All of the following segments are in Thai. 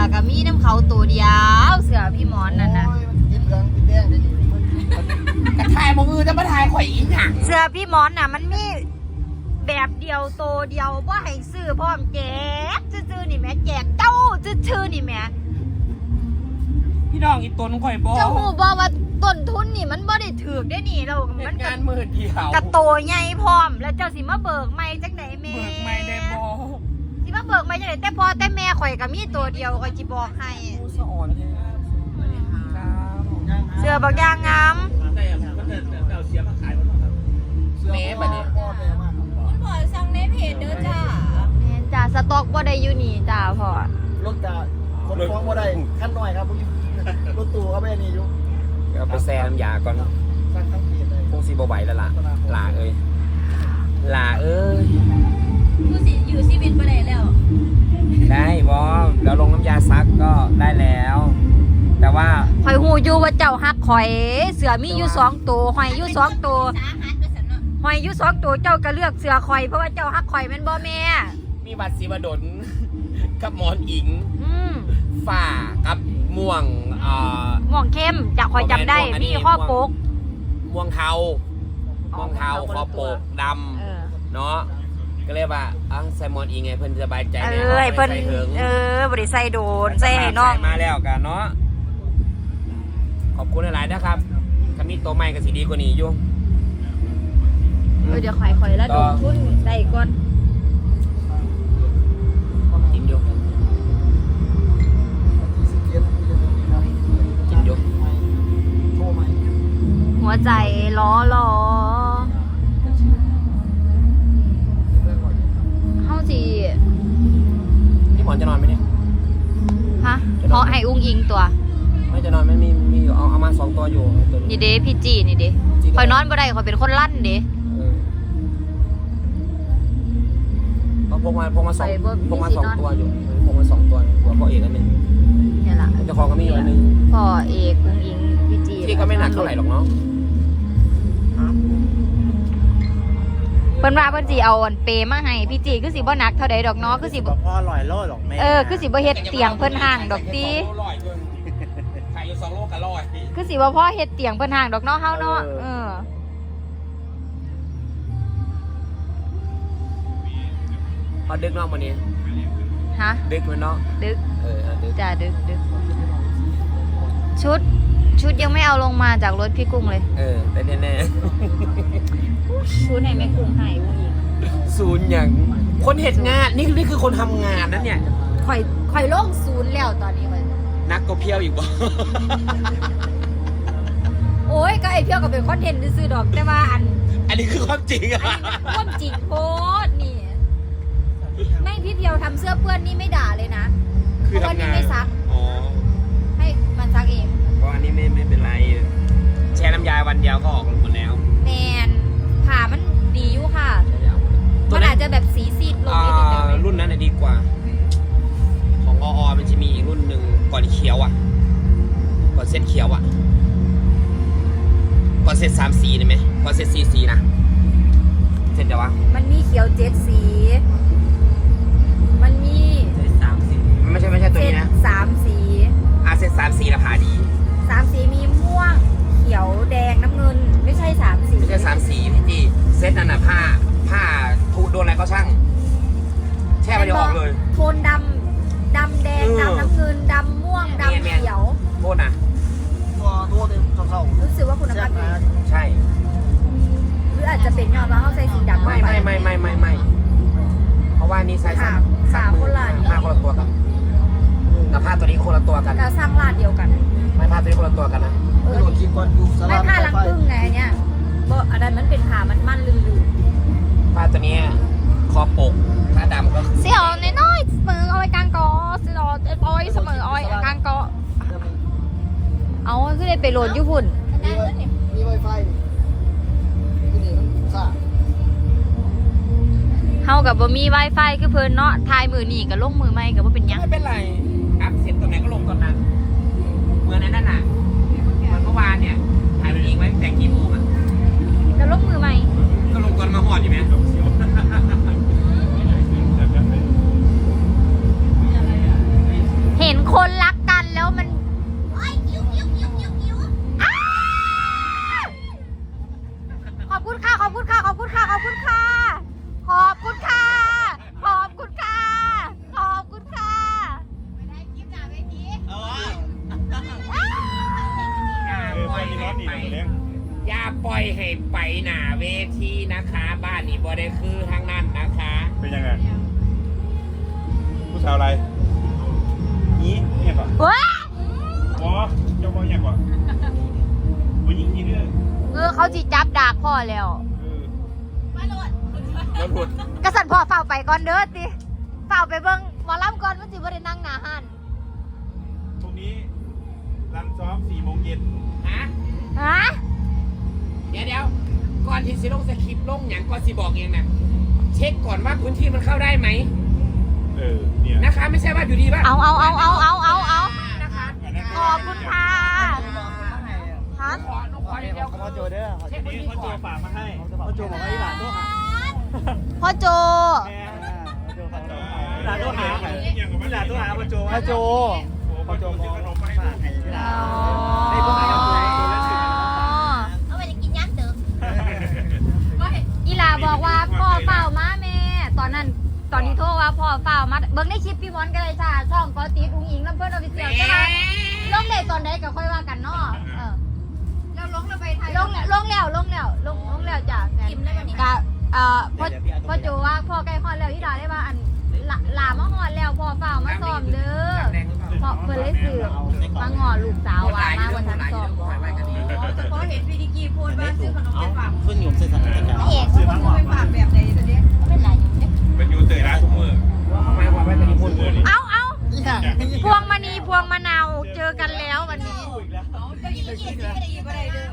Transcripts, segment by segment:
กับมีน้ำเขาตัวเดียวเสือพี่หมอนนั่นนะกินเหลืองกินแดงได้ดีกระทายมือจะมาทายข่อยอีหยังเสือพี่หมอนน่ะมันมีแบบเดียวโตเดียวว่าให้ซื้อพร้อมแจกซื่อๆนี่แม่แจกเจ้าชื่อนี่แม่พี่น้องอีตัวน้องข่อยบอกเจ้าหูบอกว่าต้นทุนนี่มันบ่ได้ถือได้นี่เรามันงานมือเดียวกระโตใหญ่พร้อมแล้วเจ้าสิมาเบิกไม่จังไหนแม่เบิกไม่ได้บอกสิมาเบิกไม่จังไหนแต่พอแต่แม่ข่อยก็มีตัวเดียวข่อยสิบอกให้ผู้สอนเสือบักยางงามแม่บัดนี้คุณพ่อสั่งในเพจเด้อจ้าแม่จ้าสต็อกบ่ได้อยู่นี่จ้าพ่อรถจะคนฟ้องบ่ได้ขั้นหน่อยครับรถตู้เขาไม่นี่อยู่เอาไปแซ่น้ำยาก่อนสั่งทั้งเพจเลยพวกซีบไหวแล้วล่ะลาเอ้ยดูสิอยู่ชีวิตบ่ได้แล้วได้บอแล้วลงน้ำยาซักก็ได้แล้ว แต่ว่าข่อยหูอยู่ว่าเจ้าฮักข่อยเสือมีอยู่2ตัวหอยอยู่2ตัวสาหัสว่าซั่นเนาะหอยอยู่2ตัวเจ้าก็เลือกเสือข่อยเพราะว่าเจ้าฮักข่อยแม่นบ่แม่มีบัตรสีบดลกับหมอนอิงฝ่ากับม่วงม่วงเข้มจากข่อยจำได้มีข้อปกม่วงเทาคอปกดำเนาะก็เลยว่าใส่หมอนอิงไงเพิ่นสบายใจเพิ่นบริใส่โดนใส่ให้น้องมาแล้วกันเนาะขอบคุณหลายๆนะครับถ้ามีตัวใหม่ก็สิดีกว่านี้อยู่เดี๋ยวข่อยแล้วดูทุนได้ก่อนกินอยู่หัวใจล้อเข้าสิพี่หมอนจะนอนไหมเนี่ยฮะเพราะให้อุ้งอิงตัวไม่จะนอนไม่มีอยู่เอามา2ตัวอยู่นี่เด้พี่จีนี่เด้ข่อยนอนบ่ได้ข่อยเป็นคนลั่นเด้พกมา2ตัวอยู่พกมา2ตัวหัวพ่อเอกอันนึงนี่ล่ะเจ้าของก็มีอยู่อันนึงพ่อเอกอุ้งอิงพี่จีที่ก็ไม่หนักเท่าไหร่หรอกเนาะเพิ่นว่าเพิ่นสิเอาอันเปมาให้พี่จีคือสิบ่หนักเท่าใดดอกเนาะคือสิบ่พ่อลอยโลหรอกแม่คือสิบ่เฮ็ดเตียงเพิ่นห่างดอกติขายอยู่2 โลกับ100 คือสิบ่พ่อเฮ็ดเตียงเพิ่นห่างดอกเนาะเฮาเนาะพอดึกเนาะมื้อนี้ฮะดึกมื้อเนาะดึกดึกจ้าดึกชุดยังไม่เอาลงมาจากรถพี่กุ้งเลยได้แน่ชุดไหนแม่กุ้งหายวุ้งอีกศูนย์อย่างคนเฮ็ดงานนี่คือคนทำงานนั่นเนี่ยข่อยโล่งศูนย์แล้วตอนนี้เลยนักก็เพี้ยวอีกบ่โอ้ยก็ไอเพี้ยวก็เป็นคอนเทนต์ซื้อดอกแต่ว่าอันนี้คือความจริงอะความจริงโคตรนี่แม่พี่เพียวทำเสื้อเปื้อนนี่ไม่ด่าเลยนะเพราะว่านี่ไม่ซักให้มันซักเองเพราะอันนี้ไม่เป็นไรแช่น้ำยาวันเดียวก็ออกหมดแล้วแมนผ่ามันดีอยู่ค่ะมันอาจจะแบบสีซีดลงนิดนึงรุ่นนั้นดีกว่าของมันจะมีอีกรุ่นหนึ่งก่อนเขียวอ่ะก่อนเซตเขียวอ่ะก่อนเซต3 สีได้ไหมก่อนเซต4 สีนะเซตเดี๋ยววะมันมีเขียว7 สีมันมี 3 สีไม่ใช่ตัวนี้นะ 3 สีเซต3 สีละผ่าดี 3 สีมีม่วงเขียวแดงน้ำเงินไม่ใช่3 สีไม่ใช่3 สีพี่จีเซตนั่นน่ะผ้าถูโดนอะไรก็ช่างแช่ไปเดี๋ยวออกเลยโทนดำแดงดำน้ำเงินดำม่วงดำเขียวโทษนะตัวเต็มเท่ารู้สึกว่าคุณภาพดีใช่หรืออาจจะเป็นยอดว่าเขาใส่สีดำไม่เพราะว่านี่ใส่ขาคนละผ้าคนละตัวกันกับผ้าตัวนี้คนละตัวกันแล้วสร้างลาดเดียวกันไม่ผ้าตัวนี้คนละตัวกันนะไม่ผ้าลังพึ่งไงเนี่ยอันนั้นมันเป็นผ้ามันลื่นผ้าตัวนี้คอปกผ้าดำก็เสี่ยวน้อยเสมอเอาไว้กลางกอเสี่ยวอ้อยเสมออ้อยกลางกอเอาคือได้ไปโหลดญี่ปุ่นมีไวไฟนี่ซ่าเฮากับบ่มี Wi-Fi คือเพิ่นเนาะทายมือนี่กับลงมือใหม่กับบ่เป็นหยังไม่เป็นไรอัพเสร็จตรงไหนก็ลงตอนนั้นเหมือนนั่นน่ะมันเมื่อวานเนี่ยถ่ายมันเองไว้แต่งกี่โมงอ่ะแล้วลงมือใหม่ก็ลงก่อนมาหอดอยู่ไหมเห็นคนได้คือทางนั้นนะคะเป็นยังไงผู้สาวอะไรนี้เนี่ยก่อนว้าอ๋อเจ้าพ่อเนี่ยก่อนผู้หญิงที่เรื่องเขาจิจับดากพ่อแล้วมาโหลดรถหลุดกษัตริย์พ่อเฝ้าไปก่อนเด้อติเฝ้าไปเบิ่งหมอลำก่อนมันสิบ่ได้นั่งหน้าหันพรุ่งนี้รันซ้อม4 โมงเย็นฮะฮะเดี๋ยวก่อนที่สิลงสคริปต์ลงอย่างก่อนสิบอกเองนะเช็คก่อนว่าพื้นที่มันเข้าได้ไหมเนี่ยนะคะไม่ใช่ว่าอยู่ดีว่าเอานะคะนะคะขอบคุณค่ะฮะขอเดียวพ่อโจเด้อเช็คพื้นที่พ่อโจก่อนฝากมาให้พ่อโจบอกว่าอีหลานตัวหาพ่อโจหลานตัวหาหลานตัวหาพ่อโจพ่อโจพ่อโจซื้อขนมมาให้ฝากให้อีหลาอ๋อนในพวกไหนครับโจเล่นสื่อเอาไปจะกินย่างเติมอีหลาบอกว่าพ่อเฝ้ามาแม่ตอนนี้โทรว่าพ่อเฝ้ามาเบิ่งในคลิปพี่มอนก็เลยจ้าช่องก็ติดอุ้งอิงลำเพิ่นออฟฟิเชียลใช่ไหมลงได้ตอนใดก็ค่อยว่ากันเนาะเราลงเราไปไทยลงแล้วจ้ะกินได้วันนี้กะพ่อโจว่าพ่อใกล้ฮอดแล้วอีหลาได้ว่าอันหลามาฮอดแล้วพ่อเฝ้ามาซ้อมเด้อเพราะเพิ่นเลยซื้อมาง้อลูกสาวว่ามาวันทันซ้อมแต่พอเห็นพีดีกีพูดว่าซื้อขนมไปฝากขึ้นอยู่เส้นทางการพระเอกซื้อมากกว่าไปฝากแบบไหนตัวเนี้ยเป็นไรอยู่เนี่ยเป็นยูเตอร์ร้านทุกมือทำไมว่าไม่เป็นพูดเลยเอาอีหลานพวงมณีพวงมะนาวเจอกันแล้ววันนี้เอาเจ้า20ก็ได้อีกก็ได้เด้อ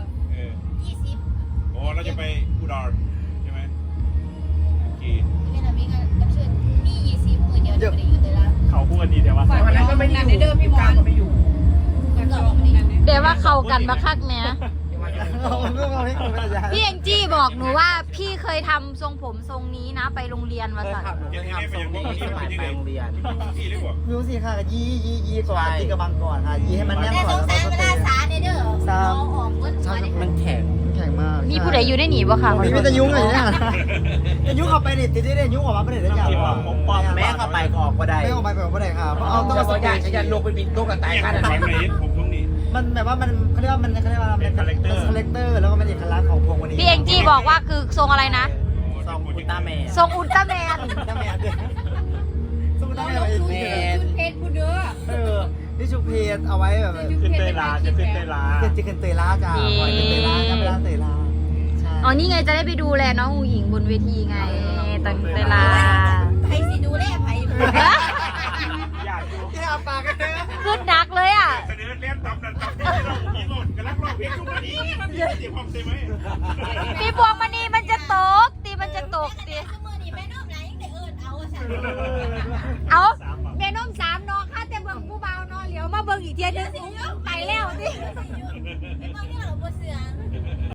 20 โอ้เราจะไปอุดรใช่ไหมโอเคเป็นอะไรกันกับเชิญมี20มื้อเดียวจะไปอยู่แต่ละเขาพูดกันดีแต่ว่าวันนั้นก็ไม่ได้อยู่พี่มอนก็ไม่อยู่กันก็ไม่ได้เดี๋ยวว่าเข้ากันบักคักแหม่เราเรื่องเราให้คนเป็นอาจารย์พี่แองจี้บอกหนูว่าพี่เคยทำทรงผมทรงนี้นะไปโรงเรียนมาสั่นยังไงไปยังไงไปโรงเรียนที่เรียกว่ามิวสิค่ะยี่ก่อนตีกระบังก่อนค่ะยี่ให้มันแน่นแต่ก่สอนงแล้วสารก็เวลาสาเนี่ยเด้อน้องออกเงินสวยมันแข็งแข็งมากมีผู้ใดอยู่ได้หนีบ่ค่ะมีแต่ยุ่งเลยเนี่ยแต่ยุ่งเข้าไปนี่ติดได้ยุ่งออกมาไม่ได้ได้อย่างแม่เข้าไปก็ออกก็ได้ไม่ออกไปแบบไม่ได้ค่ะเพราะเอาต้องจะมาบสอกเตอยากจจะลงไปบินตุ๊กตายกันตอนไหนผมตรงนี้มันแบบว่ามันเขาเรียกว่ามันเขาเรียกว่ามันคาแรคเตอร์แล้วก็เป็นเอกลักษณ์ของพวงวันนี้พี่แองจี้บอกว่าคือทรงอะไรนะซองอุลตร้าแมนทรงอุลตร้าแมนตั้งแม่ด้วยสมมติตั้งแม่เองชุดเพชรพูดเด้อนี่ชุเพจเอาไว้แบบขึ้นเตยลาจะขึ้นเตยลาเกิดจะเตยล่าจ้าปล่อยเตยล่าจะไปร้านเตยล่าใช่อ๋อนี่ไงจะได้ไปดูแลน้องอูหญิงบนเวทีไงตั้งเวลาไผสิดูแลไผอยากดูที่อาปากกันเด้อขึ้นนักเลยอ่ะเสนอเล่นตำนันตำนี่เราอีกหมดกำลังร้องเพลงทุกวันนี้มันมีเสียงความเสียไหมพี่พวงมณีมันจะตกตีมันจะตกตีซุมื้อนี้แม่น้อมหลายยังได้เอิ้นเอาซั่นเอาแม่น้ม3นอค่ะแต่เบิ่งผู้เบานอเหลียวมาเบิ่งอีกเทียนึงไปแล้วสิ